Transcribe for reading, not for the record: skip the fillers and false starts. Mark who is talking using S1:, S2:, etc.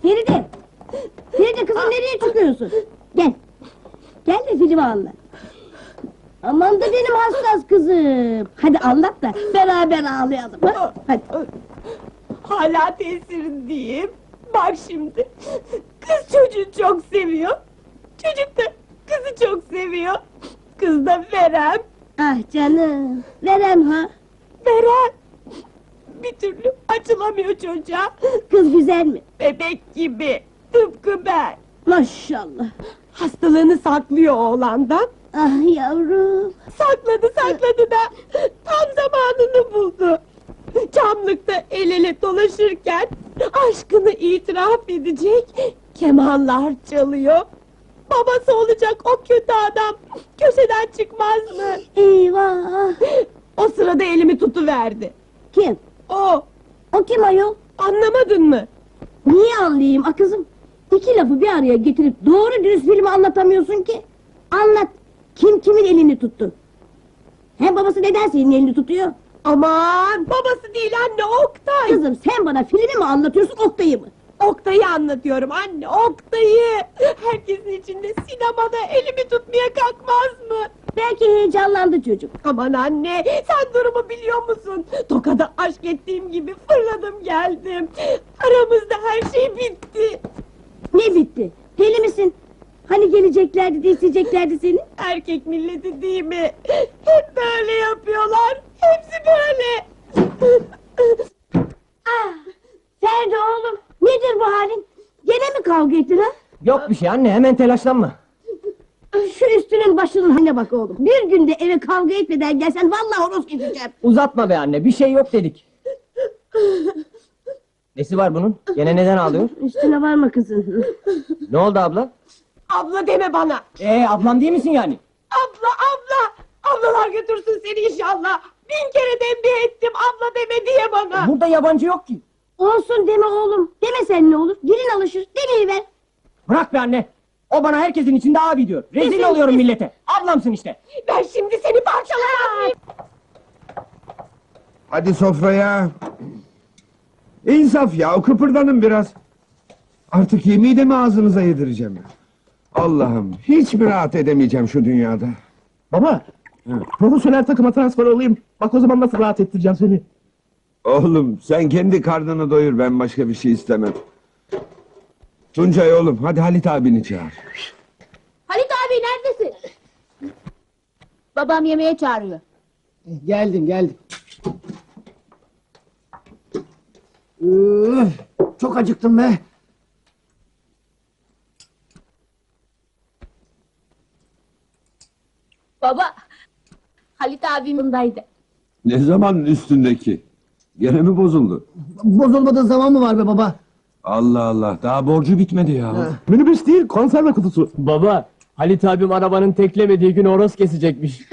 S1: Feride! Feride kızım nereye çıkıyorsun? Gel. Gel de filmi anlat. Aman da benim hassas kızım. Hadi anlat da beraber ağlayalım ha? Hadi.
S2: Hala tesirindeyim. Bak şimdi. Kız çocuğu çok seviyor. Çocuk da kızı çok seviyor. Kız da Verem.
S1: Ah canım. Verem ha.
S2: Verem. Bir türlü açılamıyor çocuğa.
S1: Kız güzel mi?
S2: Bebek gibi. Tıpkı ben.
S1: Maşallah.
S2: Hastalığını saklıyor oğlandan.
S1: Ah yavrum.
S2: Sakladı da tam zamanını buldu. Çamlıkta el ele dolaşırken aşkını itiraf edecek kemanlar çalıyor. Babası olacak o kötü adam köşeden çıkmaz mı?
S1: Eyvah.
S2: O sırada elimi tutuverdi.
S1: Kim?
S2: O,
S1: O kim ayol?
S2: anlamadın mı?
S1: Niye anlayayım a kızım? İki lafı bir araya getirip doğru dürüst filmi anlatamıyorsun ki. Anlat. Kim kimin elini tuttu? Hem babası neden senin elini tutuyor?
S2: Aman babası değil anne, Oktay.
S1: Kızım sen bana filmi mi anlatıyorsun Oktay'ı mı?
S2: Oktay'ı anlatıyorum anne, Oktay'ı. Herkesin içinde sinemada elimi tutmaya kalkmaz mı?
S1: Belki heyecanlandı çocuk.
S2: Aman anne, sen durumu biliyor musun? Tokada aşk ettiğim gibi fırladım geldim. Aramızda her şey bitti.
S1: Ne bitti? Deli misin? Hani geleceklerdi de isteyeceklerdi seni?
S2: Erkek milleti değil mi? Hep böyle yapıyorlar. Hepsi böyle.
S1: Ah, Ferdi oğlum, nedir bu halin? Gene mi kavga ettiler?
S3: Yok bir şey anne, hemen telaşlanma.
S1: Şu üstünün başının haline bak oğlum. Bir günde eve kavga etmeden gelsen vallahi horoz keseceğim.
S3: Uzatma be anne, bir şey yok dedik. Nesi var bunun? Gene neden ağlıyor?
S1: Üstüne varma kızım.
S3: Ne oldu abla?
S2: Abla deme bana.
S3: Ablam değil misin yani?
S2: Abla. Ablalar götürsün seni inşallah. 1000 kere tembih ettim abla deme diye bana.
S3: Burada yabancı yok ki.
S1: Olsun deme oğlum. Demesen ne olur? Dilin alışır. Demeyiver.
S3: Bırak be anne. O bana herkesin içinde abi diyor. Rezil oluyorum millete. Ablamsın işte.
S2: Ben şimdi seni parçalarım.
S4: Hadi sofraya. İnsaf ya, kıpırdanın biraz. Artık yemeği de mi ağzınıza yedireceğim? Allah'ım, hiç mi rahat edemeyeceğim şu dünyada?
S5: Baba, profesyonel takıma transfer olayım. Bak o zaman nasıl rahat ettireceğim seni.
S4: Oğlum, sen kendi karnını doyur, ben başka bir şey istemem. Tuncay oğlum, hadi Halit abini çağır.
S1: Halit abi neredesin? Babam yemeğe çağırıyor.
S5: Geldim. Çok acıktım be.
S1: Baba, Halit abim bundaydı.
S4: Ne zamanın üstündeki? Gene mi bozuldu?
S5: Bozulmadığı zaman mı var be baba?
S4: Allah Allah, daha borcu bitmedi ya.
S5: Minibüs değil, konserve kutusu.
S3: Baba, Halit abim arabanın teklemediği gün horoz kesecekmiş.